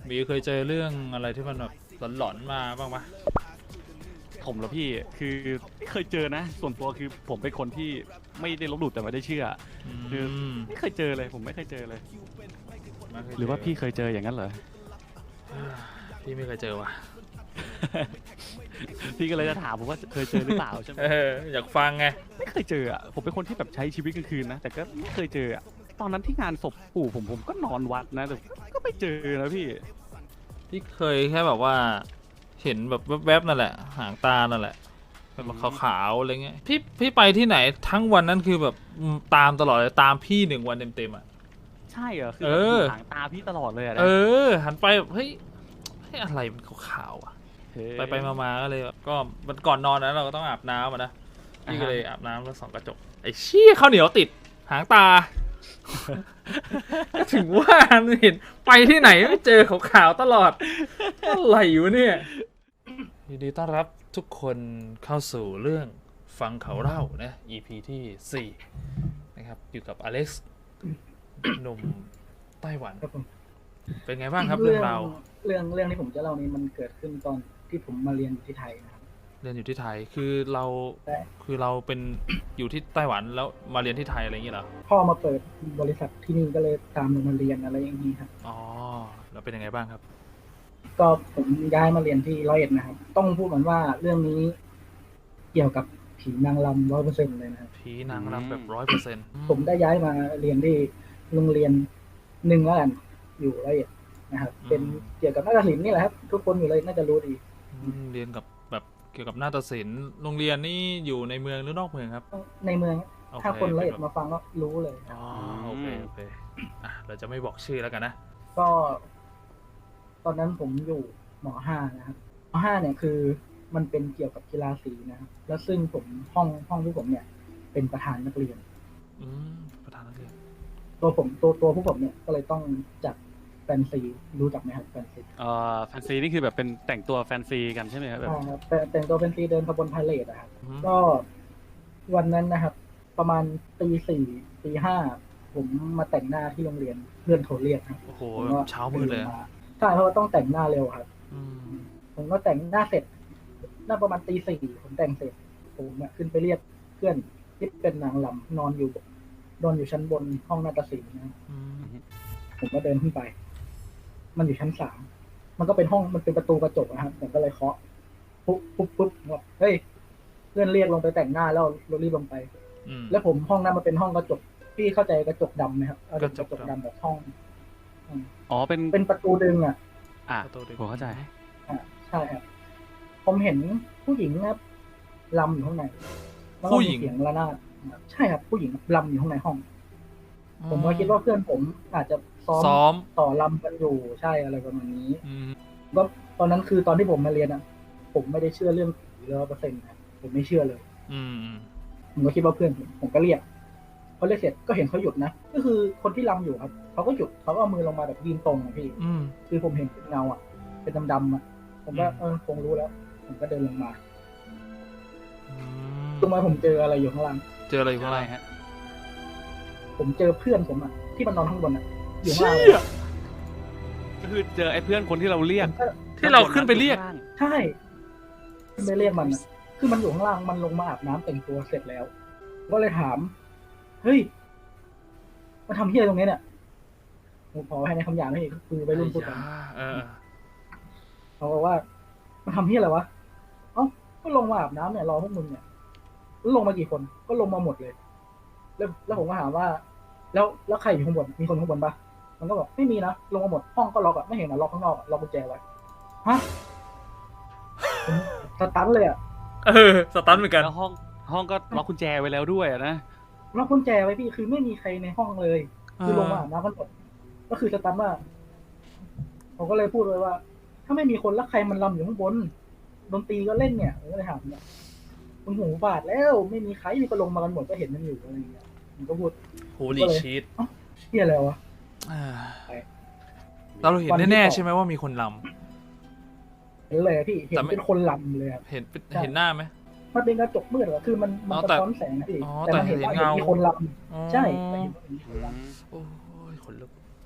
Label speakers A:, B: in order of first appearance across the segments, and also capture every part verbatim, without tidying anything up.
A: มีเคยเจอเรื่องอะไรที่มันแบบหลอนๆมาบ้างปะ
B: ผมเหรอพี่คือไม่เคยเจอนะส่วนตัวคือผมเป็นคนที่ไม่ได้ลบหลู่แต่ไม่ได้เชื่อคือ
A: ม
B: ไม่เคยเจอเลยผมไม่เคยเจอเลย
A: ไม่เคยเจ
B: หรือว่าพี่เคยเจออย่างนั้นเหรอ
A: พี่ไม่เคยเจอว่ะ
B: พี่ก็เลยจะถามผมว่าเคยเจอหรือเปล่าใช่ไหม
A: เอออยากฟังไง
B: ไม่เคยเจออ่ะผมเป็นคนที่แบบใช้ชีวิตกลางคืนนะแต่ก็ไม่เคยเจออ่ะตอนนั้นที่งานศพปู่ผมผมก็นอนวัดนะแต่ก็ไม่เจอนะพี่
A: พี่เคยแค่แบบว่าเห็นแบบแวบๆนั่นแหละหางตานั่นแหละแบบขาวๆอะไรเงี้ยพี่พี่ไปที่ไหนทั้งวันนั้นคือแบบตามตลอดเลยตามพี่หนึ่งวันเต็มๆอ่ะ
B: ใช่เหรอคือ
A: เอ
B: แบบ
A: อ
B: อยู่หางตาพี่ตลอดเลยอะนะ
A: เออหันไปแบบเฮ้ยเฮ้ยอะไรมันขาวๆอ่ะ
B: เฮ้ย
A: ไปไปมาๆก็เลยแบบก็มันก่อนนอนนะเราก็ต้องอาบน้ำอะนะพี่ก็
B: อ่าฮะ
A: เลยอาบน้ำแล้วส่องกระจกไอ้เชี่ยข้าวเหนียวติดหางตา ก็ถึงว่าเห็นไปที่ไหนไม่เจอขาวๆตลอดอะไรอยู่เนี่ยยินดีต้อนรับทุกคนเข้าสู่เรื่องฟังเขาเล่านะ อี พี ที่สี่นะครับอยู่กับอเล็กซ์ หนุ่มไต้หวัน
C: ครับผม
A: เป็นไงบ้างครับเรื่องราว
C: เรื่องเรื่องที่ผมจะเล่านี้มันเกิดขึ้นตอนที่ผมมาเรียนอยู่ที่ไทยนะครับ
A: เรียนอยู่ที่ไทยคือเรา
C: ใช่
A: คือเราเป็นอยู่ที่ไต้หวันแล้วมาเรียนที่ไทยอะไรอย่างเงี้ยเหรอ
C: พ่อมาเปิดบริษัทที่นี่ก็เลยตามลงมาเรียนอะไรอย่างนี้ครับ
A: อ๋อแล้วเป็นยังไงบ้างครับ
C: ก็ผมย้ายมาเรียนที่ร้อยเอ็ดนะครับ ต้องพูดเหมือนว่าเรื่องนี้เกี่ยวกับผีนางรำร้อยเปอร์เซ็นต์เลยนะครับ
A: ผีนางรำแบบร้อยเปอร์เซ็นต์
C: ผมได้ย้ายมาเรียนที่โรงเรียนหนึ่งแล้วกันอยู่ร้อยเอ็ดนะครับ เป็นเกี่ยวกับนาฏศิลป์นี่แหละครับ ทุกคนอยู่เลยน่าจะรู้ดี
A: เรียนกับแบบเกี่ยวกับนาฏศิลป์โรงเรียนนี่อยู่ในเมืองหรือนอกเมืองครับ
C: ในเมือง
A: โอเ
C: ถ้าคนร้อยเอ็ด
A: ป็แบบ
C: มาฟังก็รู้เลย
A: อ๋อโอเคโอเคอ่ะเราจะไม่บอกชื่อแล้วกันนะ
C: ก็ ตอนนั้นผมอยู่มห้านะครับมห้าเนี่ยคือมันเป็นเกี่ยวกับกีฬาสีนะครับแล้วซึ่งผมห้องห้องที่ผมเนี่ย เป็นประธานนักเรียน
A: อืมประธานนักเรียน
C: ตัวผมตัวตัวผู้ผมเนี่ยก็เลยต้องจัดแฟนซีรู้จักไหมครับแฟนซี
B: เอ่อแฟนซีนี่คือแบบเป็นแต่งตัวแฟนซีกันใช่ไหมครับแบบ
C: ใช่ครับแต่แต่งตัวเป็นซีเดินขบวนพาเหรดนะครับ
A: อืม
C: ก็วันนั้นนะครับ ประมาณตีสี่ตีห้าผมมาแต่งหน้าที่โรงเรียนเพื่อนโทรเรียกครับ
A: โอ้โห
C: ผมก็
A: เช้ามืดเลย
C: ดินมาใช่เพราะว่าต้องแต่งหน้าเร็วครับ
A: อืม
C: ผมก็แต่งหน้าเสร็จหน้าประมาณตีสี่ผมแต่งเสร็จ ผมเนี่ยขึ้นไปเรียกเพื่อนที่เป็นนางลำนอนอยู่นอนอยู่ชั้นบนห้องนาฏศิลป์นะ
A: อืม
C: ผมก็เดินขึ้นไป มันอยู่ชั้นสามมันก็เป็นห้องมันเป็นประตูกระจกนะครับผมก็เลยเคาะปุ๊บปุ๊บปุ๊บบอกเฮ้ยเพื่อนเรียกลงไปแต่งหน้าแล้วเรารีบลงไป
A: อืม
C: แล้วผมห้องนั้นมันเป็นห้องกระจกพี่เข้าใจกระจกดำไหมครับเอาเป็น
A: ก
C: ก
A: ระ
C: ระ
A: จ
C: จ
A: ก
C: ก
A: ดำ
C: ดำแบบห้อง
B: อ๋อเป็น
C: เป็นประตูดึงอ่ะ
B: อ่ะ
A: ประตูดึง
B: ผมเข้าใจ
C: อ่าใช่ครับผมเห็นผู้หญิงนะครับลำอยู่ข้างในแล้วก็
A: ผู้ห
C: มี
A: ญิง
C: เสียงระนาดใช่ครับผู้หญิงลำอยู่ข้างในห้อง ผมก็คิดว่าเพื่อนผมอาจจะซ้อม
A: ซ้อม
C: ต่อลำกันอยู่ใช่อะไรประมาณนี้
A: อืม
C: ก็ตอนนั้นคือตอนที่ผมมาเรียนอ่ะ ผมไม่ได้เชื่อเรื่องผีร้อยเปอร์เซ็นต์นะผมไม่เชื่อเลย
A: อืมอืม
C: ผมก็คิดว่าเพื่อนผมผมก็เรียกพอเรียกเสร็จก็เห็นเขาหยุดนะก็คือคนที่ลำอยู่ครับเขาก็หยุดเขาก็เอามือลงมาแบบยืนตรงอะพี่
A: อืม
C: คือผมเห็นเป็นเงาอ่ะ เป็นดำๆอ่ะ ผมก็
A: อืม
C: เออคงรู้แล้ว ผมก็เดินลงมา
A: อื
C: ตรงมาผมเจออะไรอยู่ข้างล่าง
A: เจออะไรอยู่
B: อะ
A: ข้าง
B: ไร
A: ล่าง
B: ฮะ
C: ผมเจอเพื่อนผมอ่ะที่มันนอนข้างบนอ่ะ อยู่ข้าง
A: เชี่
C: ล่าง
A: ย
B: ก็คือเจอไอ้เพื่อนคนที่เราเรียก
C: ผมก็
A: ที่เราขึ้นไปเรียก
B: ข้างล่าง
C: ใช่ไม่เรียกมันอะคือมันอยู่ข้างล่างมันลงมาอาบน้ำแต่งตัวเสร็จแล้วผมก็เลยถาม เฮ้ยมาทำเฮียอะไรตรงนี้เนี่ยผมขอให้ในคำหยาบนี่คือไปรุ่นพูดกัน
A: เออ
C: เขาบอกว่ามาทำเฮียอะไรวะเอ้าก็ลงมาอาบน้ำเนี่ยรอพวกมึงเนี่ยแล้วลงมากี่คนก็ลงมาหมดเลย แล้วแล้วผมก็ถามว่า แล้วแล้วใครอยู่ข้างบนมีคนข้างบนปะมันก็บอกไม่มีนะลงมาหมดห้องก็ล็อกอะไม่เห็นนะล็อกข้างนอกอะล็อกกุญแจไว้ฮะผมสตันเลยอะ
A: เออสตันเหมือนกัน
B: แล้วห้องห้องก็ล็อกกุญแจไว้แล้วด้วยอะนะ
C: ล็อกกุญแจไว้พี่คือไม่มีใครในห้องเลย คือลงมาอาบน้ำกันหมดก็คือสตันว่าผมก็เลยพูดเลยว่า ถ้าไม่มีคนแล้วใครมันลำอยู่ข้างบนดนตรีก็เล่นเนี่ยผมก็เลยถามเนี่ยมึงหูบาดแล้วไม่มีใครมีก็ลงมากันหมดก็เห็นมันอยู่อะไรอย่างเงี้ยผมก็พูด
A: โฮลี่ชีต
C: เฮียอะไรวะ
A: เราเห็นแน่ๆใช่ไหมว่ามีคนล
C: เห็นเลยอะพี่เห็น
A: แต่ไม่
C: เป็นคนลำเลยอะ
A: ำเห็นเห็นหน้าไหม
C: มันเป็นกระจกมืดเหรอคือมันมัน
A: อ๋อ
C: สะ
A: แต่
C: ท้อนแสงนะพี่
A: อ๋อ
C: แต่มันเห็น
A: แต่
C: ว่า
A: เห็น
C: เห็น
A: เงามี
C: มีคนล
A: อ๋อ
C: ำใช่แต่เห็นว่ามีคนล
A: โอ้ยขนลุก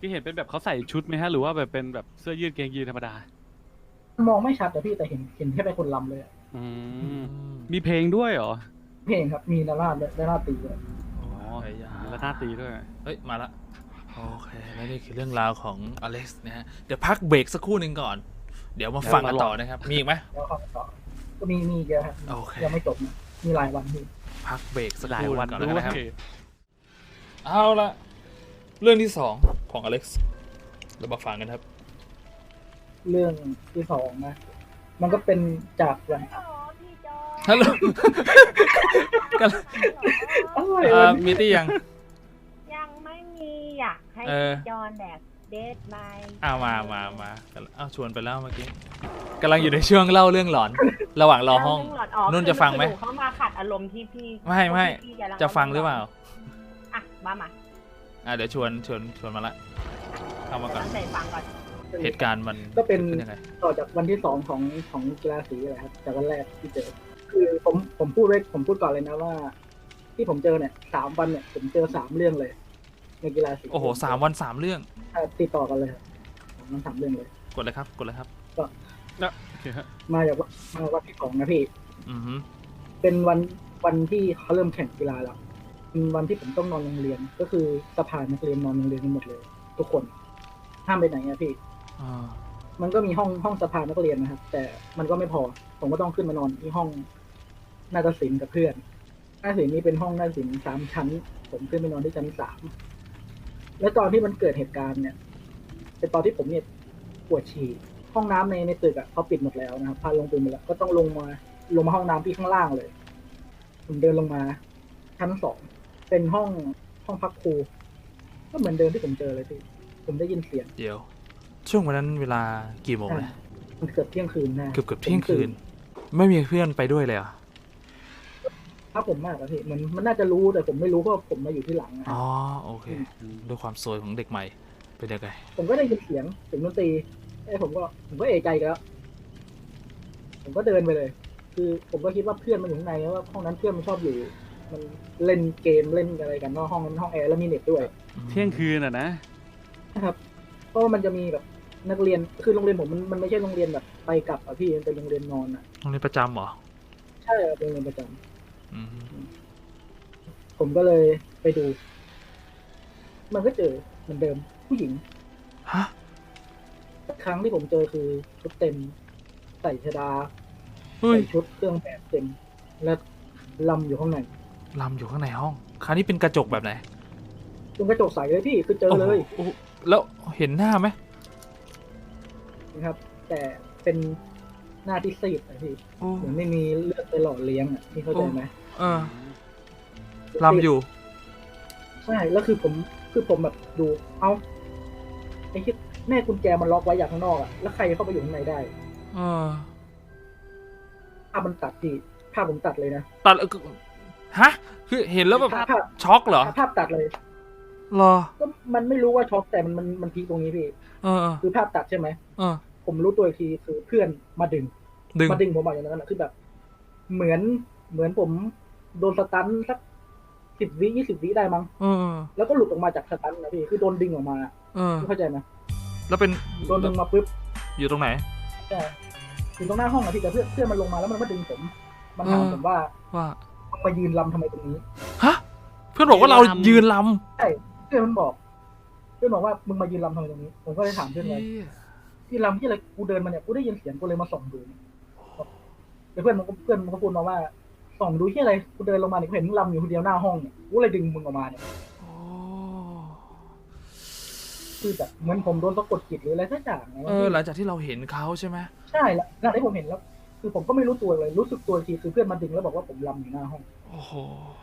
B: พี่เห็นเป็นแบบเขาใส่ชุดไหมฮะหรือว่าแบบเป็นแบบเสื้อยืดกางเกงยีนธรรมดา
C: มองไม่ชัดแต่พี่แต่เห็นเห็นแค่เป็นคนลำเลยอะ
B: อื
A: อื
B: ม
A: ม
B: มีเพลงด้วยเหรอ
C: เพลงครับมีนาราดด้วยนาราดตีด้วย
B: อ๋อ
A: ไอ้ยา
B: แล้วหน้าตีด้วย
A: เฮ้ย มาละ โอเค แล้วนี่คือเรื่องราวของอเล็กซ์นะฮะ เดี๋ยวพักเบรกสักครู่หนึ่งก่อน เดี๋ยวมาฟังกันต่อนะครับ มีอีกไหม
C: แล้วเข้าต่อก็มีมีเยอะครับ
A: โอเค
C: ยังไม่จบนะมีหลายวันพี่
A: พักเบรกสัก
B: หลา
A: ค
B: ย
A: รู่ห
B: วั
A: นึ่
B: น
A: งก่อน
B: ด้
A: แล้ว
B: ว
A: กันนะครับ
B: ย
A: เอาละเรื่องที่สองของอเล็กซ์เรามาฟังกันครับ
C: เรื่องที่สองนะ มันก็เป็นจากวัน
D: อ๋อพี่จอ
A: ฮัลโหล กัน
C: อะไร
A: อ่าว
C: ะ
A: มีตี้ยัง
D: ยังไม่มีอยากให้
A: เออ
D: พี่จอนแดกเดทไม
A: อ้าวมามามาเอาชวนไปแล้วเมื่อกี้กำลังอยู่ในช่วงเล่าเรื่องหลอน ระหว่างรอห้อง นุ่นจะฟังไหม
D: คือนูเข้ามาขัดอารมณ์ที่พี่
A: ไม่ไม่
D: ที่พี่กำลั
A: จะฟังหรือเปล่า
D: อ่ะมามา
A: อ่ะเดี๋ยวชวนชวนชวนมาละเข้ามาก่อน
D: ตั้งใจฟังก่อน
A: เหตุการณ์มัน
C: ก็เป็น
A: กิดขึ้นยังไง
C: ต่อจากวันที่สองของของกีฬาสีอะไรครับจากวันแรกที่เจอ คือผมผมพูดไว้ผมพูดก่อนเลยนะว่า ที่ผมเจอเนี่ยสามวันเนี่ยผมเจอสามเรื่องเลย ในกีฬาสี
A: โอ้โหสามวันสามเรื่อง
C: อ่ะติดต่อกันเลยครับสามวันสามเรื่องเลย
A: กดเลยครับกดเลยครับ
B: โอเคฮะ
C: มาจากวันมาวันที่สองนะพี่
A: อือฮึ
C: เป็นวันวันที่เขาเริ่มแข่งกีฬาแล้วเป็นวันที่ผมต้องนอนโรงเรียน ก็คือสภานักเรียนนอนโรงเรียนกันหมดเลย ทุกคนห้ามไปไหนอะพี่
A: อ่า
C: มันก็มีห้องห้องสภานักเรียนนะครับ แต่มันก็ไม่พอ ผมก็ต้องขึ้นมานอนที่ห้องนาฏศิลป์กับเพื่อนนาฏศิลป์นี่เป็นห้องนาฏศิลป์สามชั้น ผมขึ้นไปนอนที่ชั้นสามแล้วตอนที่มันเกิดเหตุการณ์เนี่ยเป็นตอนที่ผมเนี่ยปวดฉี่ห้องน้ำในในตึกอ่ะเขาปิดหมดแล้วนะครับพาลงไปหมดแล้วก็ต้องลงมาลงมาห้องน้ำที่ข้างล่างเลย ผมเดินลงมาชั้นสองเป็นห้องห้องพักครูก็เหมือนเดิมที่ผมเจอเลยพี่ผมได้ยินเสียง
A: เดี๋ยว ช่วงวันนั้นเวลากี่โมงนะ
C: มันเกือบเที่ยงคืนนะ
A: เกือบเกือบเที่ยงคืน ไม่มีเพื่อนไปด้วยเลยเหรอ่ะ
C: ถ้าผมมากอะพี่มันมันน่าจะรู้แต่ผมไม่รู้เพราะผมมาอยู่ที่หลังนะ
A: อ๋อโอเคด้วยความสวยของเด็กใหม่เป็นยังไง
C: ผมก็ได้ยินเสียงเสียงดนตรีไอ้ผมก็ผมก็เอะใจกันแล้ว ผมก็เดินไปเลย คือผมก็คิดว่าเพื่อนมันอยู่ข้างในแล้วว่าห้องนั้นเพื่อนมันชอบอยู่ มันเล่นเกมเล่นอะไรกันนอกห้องนั้นห้องแอร์แล้วมีเน็ตด้วย
B: เที่ยงคืนอ่ะนะ
C: นะครับ เพราะว่ามันจะมีแบบนักเรียนคือโรงเรียนผมมันมันไม่ใช่โรงเรียนแบบไปกลับอะพี่มันเป็นโรงเรียนนอนอะ
A: โรงเรียนประจำเหรอ
C: ใช่ครับเป็นโรงเรียนประจำ
A: อืม
C: ผมก็เลยไปดู มันก็เจอเหมือนเดิม ผู้หญิง
A: ฮะ
C: ครั้งที่ผมเจอคือชุดเต็ม ใส่ชดา
A: เฮ้ย
C: ใส่ชุดเครื่องแบบเต็ม และลำอยู่ข้างใน
A: ลำอยู่ข้างในห้อง คราวนี้เป็นกระจกแบบไหน
C: ตรงกระจกใสเลยพี่คือเจอเลย
A: โอ้โหแล้วเห็นหน้าไหม
C: นะครับ แต่เป็นหน้าที่ซีดนะพี่
A: โอ้
C: เหมือนไม่มีเลือดไปหล่อเลี้ยงอ่ะพี่เข้าใจไหม
A: เออลำอยู่
C: ใช่แล้วคือผมคือผมแบบดู เอาไอ้ที่แม่กุญแจมันล็อกไว้อย่างข้างนอกอ่ะแล้วใครเข้าไปอยู่ข้างในได้
A: เออ
C: ภาพมันตัดพี่ภาพผมตัดเลยนะ
A: ตัดเออฮะ คือเห็นแล้วแบบ
C: ภาพภาพ
A: ช็อกเหรอ
C: ภาพตัดเลย
A: เหรอ
C: ก็มันไม่รู้ว่าช็อกแต่มันมันมันพีคตรงนี้พี่
A: เออเออ
C: คือภาพตัดใช่ไหม
A: เออ
C: ผมรู้ตัวอีกทีคือเพื่อนมาดึง
A: ดึง
C: มาดึงผมออกอย่างนั้นนะคือแบบ เหมือนเหมือนผมโดนสตันสักสิบวิยี่สิบวิได้มั้ง
A: เออ
C: แล้วก็หลุดออกมาจากสตันนะพี่คือโดนดึงออกมา
A: เออ
C: เข้าใจไหม
A: แล้วเป็น
C: โดนดึงมาปุ๊บ
A: อยู่ตรงไหน
C: ใช่อยู่ตรงหน้าห้องอะพี่แต่เพื่อนเพื่อนมันลงมาแล้วมันมาดึงผมมันถาม
A: เออ
C: ผมว่า
A: ว่า
C: มึงมายืนลำทำไมตรงนี้
A: ฮะ เพื่อนบอกว่าเรายืนล
C: ใช่เพื่อนมันบอก เพื่อนบอกว่ามึงมายืนลำทำไมตรงนี้ ผมก็เลยถาม
A: ำ
C: เพื่อนไว้ที่ลำที่อะไรกูเดินมาเนี่ยกูได้ยินเสียงกูเลยมาส่องดูแต่เพื่อนมันก็เพื่อนมันก็พูดมาว่าส่องดูที่อะไรกูเดินลงมาเนี่ยกูเห็นมึงลำอยู่คนเดียวหน้าห้องเนี่ยกูเลยดึงมึงออกมาเนี่ย
A: โอ้
C: คือแบบเหมือนผมโดนสะกดจิตหรืออะไรสักอย่างนะ
A: เออ หลังจากที่เราเห็นเขาใช่ไหม
C: ใช่แล้วหลังที่ผมเห็นแล้ว คือผมก็ไม่รู้ตัวเลย รู้สึกตัวอีกทีคือเพื่อนมาดึงแล้วบอกว่าผมลำอยู่หน้าห้อง
A: โอ้โห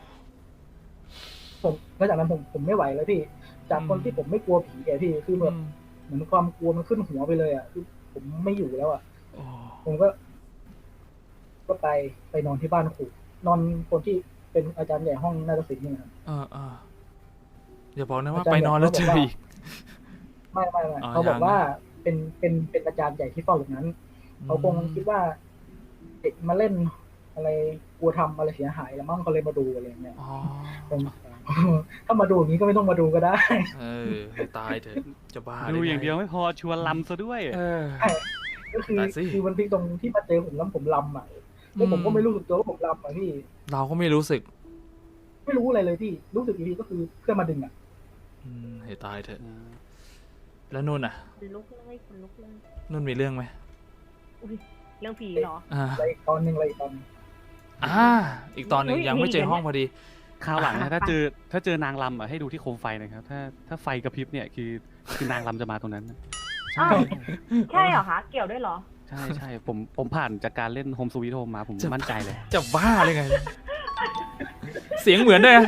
C: ผมแล้วจากนั้นผมผมไม่ไหวแล้วพี่ จากคนที่ผมไม่กลัวผีอะพี่คือแบบเหมือนความกลัวมันขึ้นหัวไปเลยอ่ะคือผมไม่อยู่แล้วอ่ะ
A: โอ้
C: ผมก็ ก็ไปไปนอนที่บ้านครูนอนคนที่เป็นอาจารย์ใหญ่ห้องนาฏศิลป์นี่นะครับ
A: เออเอออย่าบอกนะว่า
C: อาจารย์
A: ไปนอนแล้วเจอ
C: บอกว่า
A: อีก
C: ไม่ไม่ไม่
A: อ๋อ
C: เขาบอก
A: ยัง
C: ว่าเป็นเป็นเป็นอาจารย์ใหญ่ที่เฝ้าอย่างนั้น เขาคงคิดว่าเด็กมาเล่นอะไรกลัวทำอะไรเสียหายแล้วมั้งเขาเลยมาดูอะไรอย่างเงี้ย
A: อ๋อ
C: ผมผถ้ามาดูอย่างนี้ก็ไม่ต้องมาดูก็ได้
A: เออให้ตายเถอะจะบ้า
B: ดู
A: ไไ
B: อย่างเดียวไม่พอชวนลำซะด้วย
A: เออ
C: ก็คือ
A: ได้สิ
C: คือมันพลิกตรงที่มาเจอผมแล้วผมลำอ่ะแล้วผมก็ไม่รู้สึกตัวว่าผมลำอ่ะพี่
A: เราก็ไม่รู้สึก
C: ไม่รู้อะไรเลยพี่รู้สึกอีกทีก็คือเพื่อนมาดึงอ่ะ
A: อืมให้ตายเถอะแล้วนุ่นอ่ะ
D: คนลุกเลยคนลุกเลย
A: นุ่นมีเรื่องไหม
D: อุ้ยเรื่องผีเหรอ
A: อ่า
C: อะไรอีกตอนหนึ่งอะไรอีกตอนหนึ่ง
A: อ่าอีกตอนหนึ่ง
D: เฮ้ย
A: ยังไม่เจอ
D: มีอีก
A: ห้องพอดี
B: คราวหลัง
D: อ่ะ
B: นะถ้า
D: ไป
B: เจอถ้าเจอนางลำอ่ะให้ดูที่โคมไฟนะครับถ้าถ้าไฟกระพริบเนี่ยคือคือนางลำจะมาตรงนั้นนะ
D: อ้าวใช่เหรอคะ เกี่ยวด้วยเหรอ
B: ใช่ใช่ผมผมผ่านจากการเล่นโฮมสวีทโฮมมาผม
A: จะ
B: มั่นใจเลย
A: จะบ้าเลยไง เสียงเหมือนด้วยอะ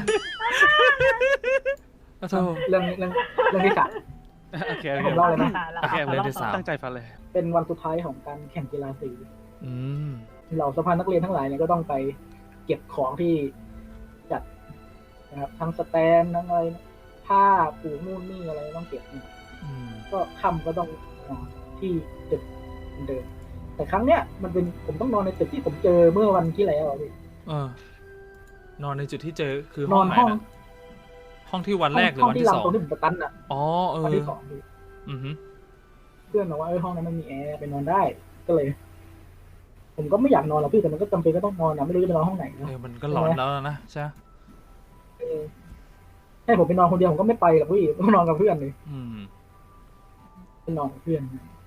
A: โอ้โธ่
C: เรื่องเรื่องเรื่องที่สาม
B: โอเคโอ
C: ให้
B: เค
C: ผมเล่าเลยนะ
B: โอเค
A: เรื่องที่สาม
B: ตั้งใจฟังเลย
C: เป็นวันสุดท้ายของการแข่งกีฬาสี
A: อืม
C: เหล่าสภานักเรียนทั้งหลายเนี่ยก็ต้องไปเก็บของที่จัดนะครับทั้งสแตนทั้งอะไรผ้าปูนู่นนี่อะไรต้องเก็บเนี่ย
A: อืม
C: ก็ค่ำก็ต้องนอนที่ตึกเหมือนเดิมแต่ครั้งเนี้ยมันเป็นผมต้องนอนในตึกที่ผมเจอเมื่อวันที่แล้วอะพี่
A: เออ นอนในจุดที่เจอคือ
C: น
A: ห้อ
C: อง น
A: ไหน
C: ห้อง
A: นะห้องที่วันแรกหรือ
C: ห้อง
A: วัน
C: ที่
A: ที่
C: ลำ
A: สอง
C: ตรงที่ผมประกันอ่ะ
A: อ๋อเอ
C: วัน
A: อ
C: ที่สองพี่
A: อือหือ
C: เพื่อนบอกว่าเออห้องนั้นมันมีแอร์ไปนอนได้ก็เลย ผมก็ไม่อยากนอนหรอกพี่แต่มันก็จำเป็นก็ต้องนอนนะไม่รู้จะไปนอนห้องไหนนะ
A: เออมันก็หลอนแล้วนะใช่ไหม
C: เออให้ผมไปนอนคนเดียวผมก็ไม่ไปหรอกพี่ต้องนอนกับเพื่อนเลย
A: อืม
C: ไปนอนกับเพื่อน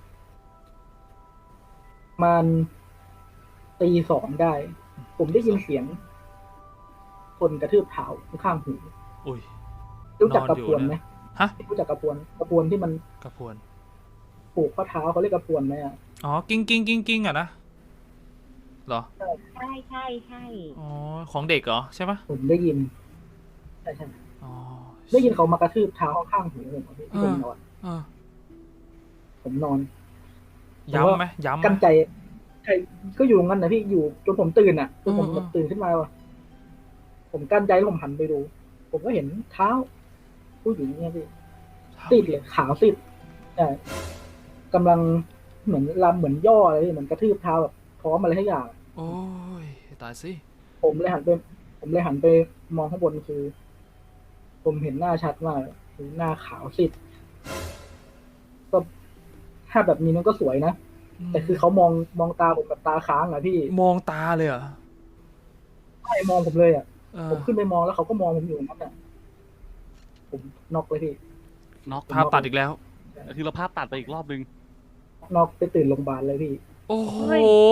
C: มันตีสองได้ ผมได้ยินเสียง คนกระทืบเท้าข้างหู
A: อุ้ย
C: รู้จัก
A: นอน
C: กระ
A: อยู่
C: พวน
A: นะ
C: ไหม
A: ฮะ
C: รู้จักกระพวนกระพวนที่มัน
A: กระพวน
C: ผูกข้อเท้าเขาเรียกกระพวนไหมอ่ะ
A: อ๋อ กิ้งกิ้งกิ้งกิ้งอะนะ เหรอ
D: ใช่ใช่ใช่
A: อ๋อ ของเด็กเหรอ ใช่ปะ
C: ผมได้ยินใช่ใช่
A: อ๋อ
C: ได้ยินเขามากระทืบเท้าข้างหูผมอะพี่ที่ผมนอน
A: เออ
C: ผมนอน
A: ย้ำไหมย้ำไหม
C: กันใจใช่ก็อยู่งั้นนะพี่อยู่จนผมตื่นอ่ะจนผม
A: อืม
C: แบบตื่นขึ้นมาว่ะผมกั้นใจแล้วผมหันไปดู ผมก็เห็นเท้า ผู้หญิงเนี่ยพี่ซีดเลยขาวซีดใช่กำลังเหมือนลำเหมือนย่ออะไรพี่เหมือนกระทืบเท้าแบบพร้อมอะไรทุกอย่าง
A: โอ้ย ตายสิ
C: ผมเลยหันไป ผมเลยหันไปมองข้างบนคือ ผมเห็นหน้าชัดมากคือหน้าขาวซีดก็ถ้าแบบนี้มันก็สวยนะ แต่คือเขามองมองตาผมแบบตาค้างอะพี่
A: มองตาเลยเหรอ
C: ใช่มองผมเลยอะ
A: เออ
C: ผมขึ้นไปมองแล้วเขาก็มองผมอยู่นั่นอะผมน็อกเลยพี่
B: น็อก
A: ภาพตัดอีกแล้ว
B: คือเราภาพตัดไปอีกรอบนึง
C: น็อกไปตื่นโรงพยาบาลเลยพี่
A: โอ้โห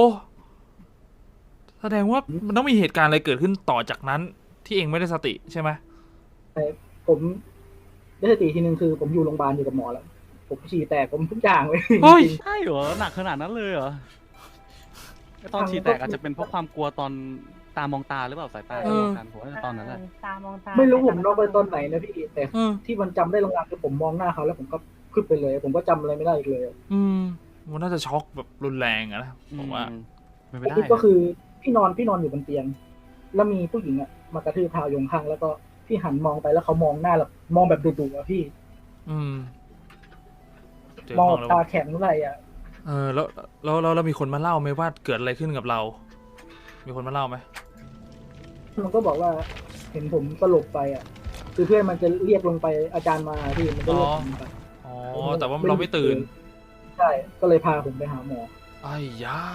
A: แสดงว่ามันต้องมีเหตุการณ์อะไรเกิดขึ้นต่อจากนั้น ที่เองไม่ได้สติใช่ไหม
C: ผมได้สติทีนึงคือ ผมอยู่โรงพยาบาลอยู่กับหมอแล้ว ผมฉี่แตกผมทุกอย่างเลย
A: เฮ้ย
C: จริง
B: ใช่เหรอหนักขนาดนั้นเลยเหรอไอ้ตอนฉีดแตกอาจจะเป็นเพราะความกลัวตอนตามองตาหรือเปล่าสายตา
A: เออ
B: มองกันผมว่าตอนนั้นแหละ
D: ตามองตา
C: ๆไม่รู้ผมน็อกไปตอนไหนนะพี่แต่
A: เออ
C: ที่มันจำได้ลางๆคือผมมองหน้าเขาแล้วผมก็ขึ้นไปเลย ผมก็จำอะไรไม่ได้อีกเลย
A: อืม มันน่าจะช็อกแบบรุนแรงอะนะผมว่า
B: อืมไม่ได้
C: ก็คือพี่นอนพี่นอนอยู่บนเตียง แล้วมีผู้หญิงอะมากระทืบเท้าโยงข้างแล้วก็พี่หันมองไปแล้วเขามองหน้าแบบมองแบบดุๆอะพี่
A: อืมเจอ
C: มอง
A: ห้องแล้ว
C: ตาแข็งอะไรอะ
A: เออแล้วแล้วแล้วแล้วมีคนมาเล่าไหมว่าเกิดอะไรขึ้นกับเรา มีคนมาเล่าไหม
C: มันก็บอกว่าเห็นผมสลบไปอ่ะ คือเพื่อนมันจะเรียกลงไปอาจารย์มาพี่มันก็เรียกผมไป
A: อ๋อ แต่ว่าเราไม่ตื่น
C: ใช่ก็เลยพาผมไปหาหมอ
A: ไอ้ยา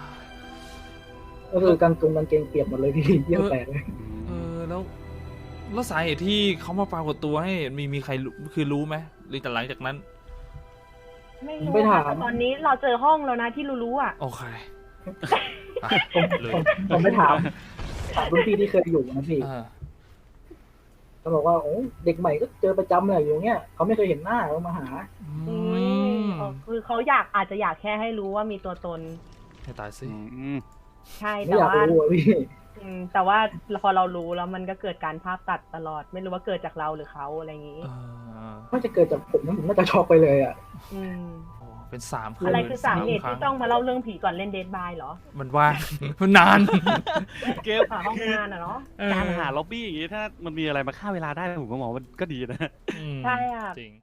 C: ก็คือกางกงกางเกงเปียกหมดเลยพี่เยี่ยวแตกเลย
A: เออแล้วแล้วสาเหตุที่เขามาปรากฏตัวให้มีมีใครรู้คือรู้ไหมหรือแต่หลังจากนั้น
D: ไม่รู้ค่ะแต่ตอนนี้เราเจอห้องแล้วนะที่รู้ๆอ่ะ
A: โอเคอ่ะ
C: ผม
A: เลย
C: ผมผมไปถามถามรุ่นพี่ที่เคยอยู่นะพี่
A: อ่า
C: เขาบอกว่าโอ้เด็กใหม่ก็เจอประจำเลยอยู่เงี้ยเขาไม่เคยเห็นหน้าเขามาหา
A: อื
D: อื
A: ม
D: มอ๋อคือเขาอยากอาจจะอยากแค่ให้รู้ว่ามีตัวตน
A: ให้ตายสิ
B: อืม
D: ใช่
C: ไม่
D: แต่
C: อยาก
D: ว่า
C: รู้อะพี่
D: อืมแต่ว่าพอเรารู้แล้วมันก็เกิดการภาพตัดตลอด ไม่รู้ว่าเกิดจากเราหรือเขาอะไรอย่างนี้
A: เออ
C: น่าจะเกิดจากผมนะผมน่าจะช็อกไปเลยอ่ะ
D: อืม
A: โอ้เป็นสามครั้ง
D: อะไรคือสาเหตุ
A: รั้
D: ที่ต้องมาเล่าเรื่องผีก่อนเล่นเดทบายเหรอ
A: มันว่าง มันนาน
B: เกม
D: หาห้องงานอ่ะเนาะ
A: เออ
B: การหาล็อบบี้อย่างงี้ถ้ามันมีอะไรมาฆ่าเวลาได้ผมก็มองว่ามันก็ดีนะ
A: อืม
D: ใช่อะ
A: จริง